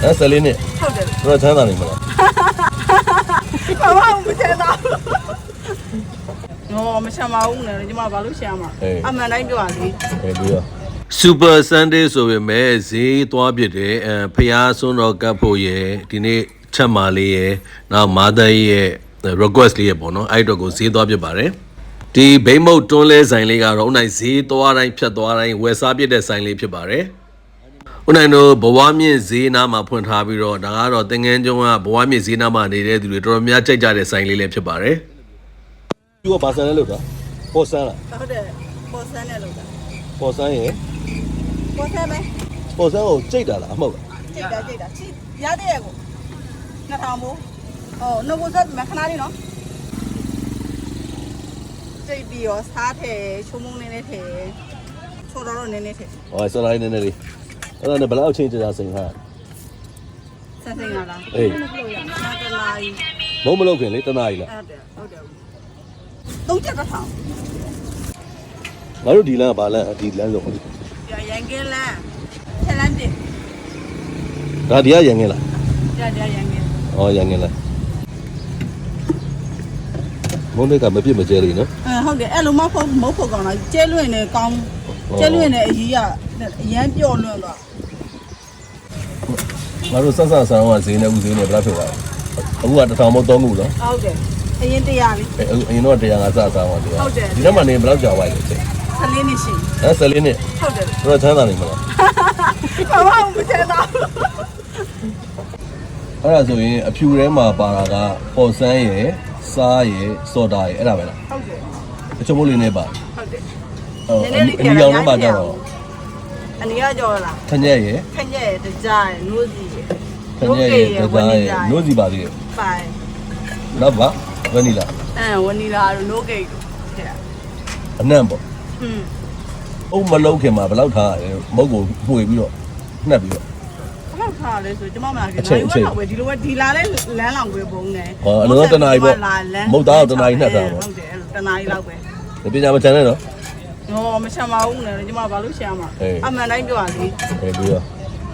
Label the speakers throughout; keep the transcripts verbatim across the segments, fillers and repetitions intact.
Speaker 1: အဲဆယ်လေးနှစ်
Speaker 2: ဟုတ်တယ်
Speaker 1: တော့ချမ်းသာနေမလား
Speaker 2: ဘာမှမချမ်းသာနော်မချမ်းပါဘူးနဲ့ညီမဘာလို့ရှာမှာအမှန်တိုင်းပြောရစီ
Speaker 1: အေးပြီးတော့ Super Sunday ဆိုပေမဲ့ဈေးသွားပြတယ်အဲဖျားစွန်းတော်ကပ်ဖို့ရယ်ဒီနေ့ချက်မာလေးရယ်နောက်မာသားရဲ့ request လေးရယ်ပေါ့နော်အဲ့တော့ကိုဈေးသွားပြပါတယ်ဒီဘိမ့်မုတ်တွန်းလဲဆိုင်လေးကတော့ဦးနိုင်ဈေးသွားတိုင်းဖြတ်သွားတိုင်းဝယ်စားပြတဲ့ဆိုင်လေးဖြစ်ပါတယ်ဦးနိုင်တို့ဘဝမြင့်ဈေးနားမှာဖွင့်ထားပြီးတော့ဒါကတော့သင်ငန်းကျုံကဘဝမြင့်ဈေးနားမှာနေတဲ့သူတွေတော်တော်များကြိုက်ကြတဲ့ဆိုင်လေးလည်းဖြစ်ပါတယ်သူကဘာဆန်လဲလို့တာပေါ်ဆန်လား
Speaker 2: ဟုတ်တယ်ပေါ်ဆန်းနဲ့လို့တာ
Speaker 1: ပေါ်ဆန်ရယ်
Speaker 2: ပေါ်ဆန်းပဲ
Speaker 1: ပေါ်ဆန်ကိုကြိတ်တာလားအမဟုတ်လား
Speaker 2: ကြိတ်တာကြိတ်တာချိရတဲ့ရဲ့ကိုနှစ်ထောင်ဘူးဟောနှုတ်ကိုဆက်မခဏလေးနော်ကြိတ်ပြီးရောစားထဲချုံမုံနေနေထဲချိုးတော့တော့နေနေထဲ
Speaker 1: ဟောဆလိုက်နေနေလေးအဲ့ဒါနဲ့ဘယ်လောက်ချင်းကြာစိန်ထား
Speaker 2: ဆက်စိန်ရလား
Speaker 1: အေး
Speaker 2: စားတနာကြီး
Speaker 1: မုံမလုပ်ခင်လေတနာကြီးလား
Speaker 2: ဟုတ်တယ်ဟုတ်တယ်သုံးချက်တစ်ထောင်
Speaker 1: ငါတို့ဒီလမ်းကဘာလမ်းဒီလမ်းဆုံး
Speaker 2: ရရန်ကဲလမ်းချက်လမ်းတင်
Speaker 1: ဒါဒီကရန်ကဲလား
Speaker 2: ရရရန်ကဲ
Speaker 1: ဩရန်ကဲလားမုံတွေကမပြစ်မကျဲလေးနော်
Speaker 2: အဲဟုတ်တယ်အဲ့လိုမဟုတ်မဟုတ်ဖို့ကောင်းလားကျဲလွင့်နေကောင်းကျဲလွင့်နေအကြီးကအရန်ပြော့လွင့်တော့
Speaker 1: ငါတို့ဆက်ဆက်ဆန်းကဈေးနဲ့ဦးဈေးနဲ့ဘယ်လောက်ဖြစ်သွားလဲအခုကတစ်ထောင်မို့သုံးခုနော်
Speaker 2: ဟုတ်တယ်အရင်တရားလေး
Speaker 1: အဲအရင်တော့တရားငါစဆန်းပါတရား
Speaker 2: ဟုတ်တယ်
Speaker 1: ဒီထဲမှာနေဘယ်လောက်ကြာသွားလဲချိန်
Speaker 2: ဆယ်လေးနှစ်ရှိ
Speaker 1: အဲဆယ်လေးနှစ်
Speaker 2: ဟုတ်တယ်
Speaker 1: တော့ချမ်းသာနေမလား
Speaker 2: ဘာမှမချမ်းသာ
Speaker 1: အဲ့ဒါဆိုရင်အဖြူထဲမှာပါတာကပေါ်ဆန်းရယ်စားရယ်စော်တာရယ်အဲ့ဒါပဲလား
Speaker 2: ဟုတ်တယ်
Speaker 1: အချုံမို့လေးနဲ့ပါ
Speaker 2: ဟုတ်တယ်
Speaker 1: ဟုတ်အနီရောင်ထဲမှာကြတော့
Speaker 2: အနီရောကြော်လား
Speaker 1: ခညက်ရယ်
Speaker 2: ခညက်တကြားရယ်နိုးစီရယ်
Speaker 1: ခညက်ရယ်တကြားရယ်နိုးစီပါသေးတယ်
Speaker 2: ပိုင်
Speaker 1: နောက်ပါဝနီလာ
Speaker 2: အဲဝနီလာတို့နိုးဂိတ်တို့
Speaker 1: အနံ့ပေါ့
Speaker 2: อืม
Speaker 1: အုံမလုံးခင်မှာဘယ်လောက်ထားရလဲမုတ်ကိုပွေပြီးတော့နှက်ပြီးတော့
Speaker 2: ဘယ်လောက်ထားလဲဆိုကျွန်မမလာခင်နိုင်ဝက်တော့ပဲဒီလိုပဲဒီလာလဲလမ်းလောင်ပဲပုံနေ
Speaker 1: ဟောအလုံးတနာကြီးပေါ့မုတ်သားတနာကြီးနှက်တာ
Speaker 2: ပေါ့ဟုတ်တယ်အဲ့လိုတနာကြီးလောက်ပဲ
Speaker 1: ဒီပညာမချမ်းနဲ့နော်
Speaker 2: ဟောမချမ်းပါဘူးနဲ့ကျွန်မဘာလို့ရှာမှာအမှန်တိုင်းပြောရစီ
Speaker 1: အေးပြီးတော့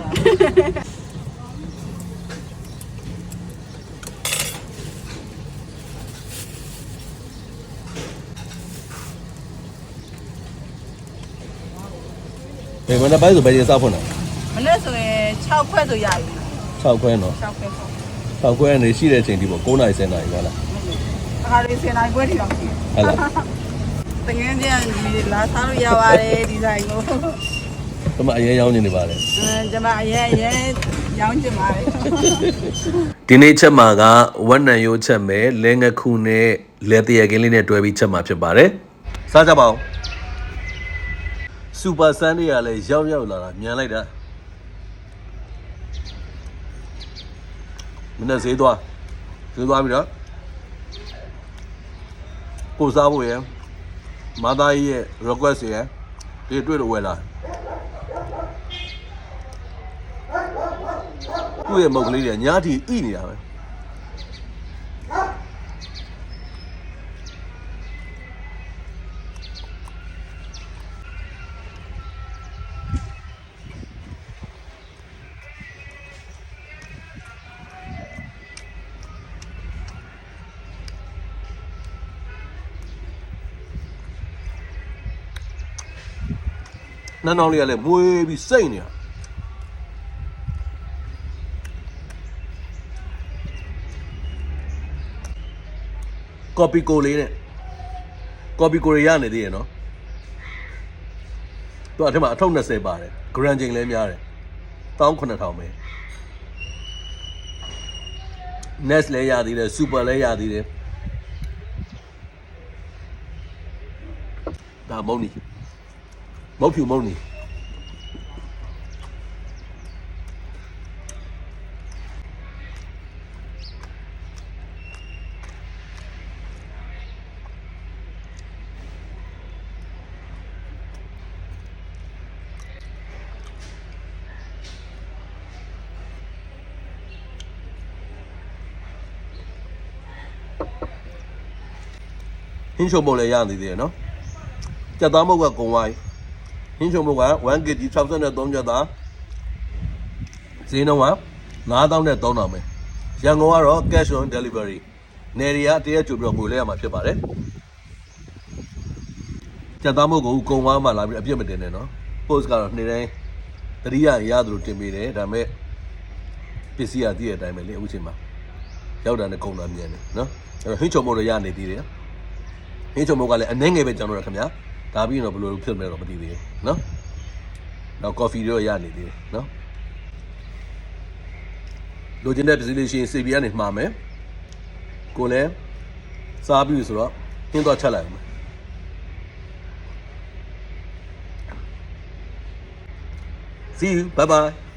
Speaker 1: ဘယ်မနေ့ပိုင်းဆိုဘယ်ရင်စောက်ဖွင့်တာ
Speaker 2: မနေ့ဆိုရင်၆ခွဲဆိုရပြီ
Speaker 1: ၆ခွဲနော်
Speaker 2: ၆ခွဲ
Speaker 1: ၆ခွဲနေရှိတဲ့အချိန်ဒီပေါ့၉နာရီ၁၀နာရီဟုတ်လား
Speaker 2: အခါလေး၁၀နာရီခွဲထိတော့ရှိ
Speaker 1: ဟုတ်လား
Speaker 2: တကယ်ပြန်ဒီလာစားလို့ရပါတယ်ဒီဇိုင်းကို
Speaker 1: ကျွန်မအရင်ရောင်းနေနေပါတယ်
Speaker 2: အဲကျွန်မအရင်အရင်ရောင်းချင်ပါတယ်
Speaker 1: ဒီနေ့ချက်မှာကဝက်နံရိုးချက်မယ်လဲငခုနဲ့လဲတရကင်းလေးနဲ့တွဲပြီးချက်မှာဖြစ်ပါတယ်စားကြပါဦးစူပါဆန်တွေကလည်းရောက်ရောက်လာတာမြန်လိုက်တာမနေ့ဈေးသွားဈေးသွားပြီတော့ကိုစားဖို့ရယ်မာသားကြီးရဲ့ request ရယ်ဒီတွေ့လို့ဝယ်လာသူ့ရဲ့မုတ်ကလေးတွေညားတီဣနေတာပဲနန်းအောင်လေးကလည်းမွေးပြီးစိတ်နေတာကော်ပီကိုလေးနဲ့ကော်ပီကိုရရနေသေးရဲ့နော်သူအထက်မှာအထုပ်၂၀ပါတယ်ဂရန်ချိန်လည်းများတယ်၁၇ထောင်ပဲ Nest လည်းရသေးတယ် Super လည်းရသေးတယ်ဒါမုံနီမုတ်ဖြူမုံနီဟင်းချုံမုတ်လည်းရသေးတယ်နော်ကြက်သားမုတ်ကကုံဝိုင်းဟင်းချုံမုတ်ကone kg ၆၃ကျက်သားဈေးနှုန်းကငါးသောင်းနဲ့သုံးထောင်ပဲရန်ကုန်ကတော့ cash on delivery နယ်တွေကတရက်ကြိုပြီးတော့ငွေလဲရမှာဖြစ်ပါတယ်ကြက်သားမုတ်ကိုကုံဝါးမှလာပြီးအပြစ်မတင်နဲ့နော် post ကတော့နေ့တိုင်းတတိယရသလိုတင်ပေးတယ်ဒါပေမဲ့ပစ္စည်းရတည့်တဲ့အတိုင်းပဲလေအခုချိန်မှာရောက်တာနဲ့ကုန်တာမြန်တယ်နော်အဲ့တော့ဟင်းချုံမို့တော့ရနေသေးတယ်ဟင်းချုံမို့ကလည်းအနှဲငယ်ပဲကျွန်တော်တို့ခင်ဗျာဒါပြီးတော့ဘယ်လိုဖြစ်မလဲတော့မသိသေးဘူးနော်နောက် coffee တော့ရနေသေးတယ်နော်လိုချင်တဲ့ပစ္စည်းလေးရှိရင် C B ကနေမှာမယ်ကိုလည်းစားပြီးဆိုတော့ဟင်းတော့ချက်လိုက်အောင် See you bye bye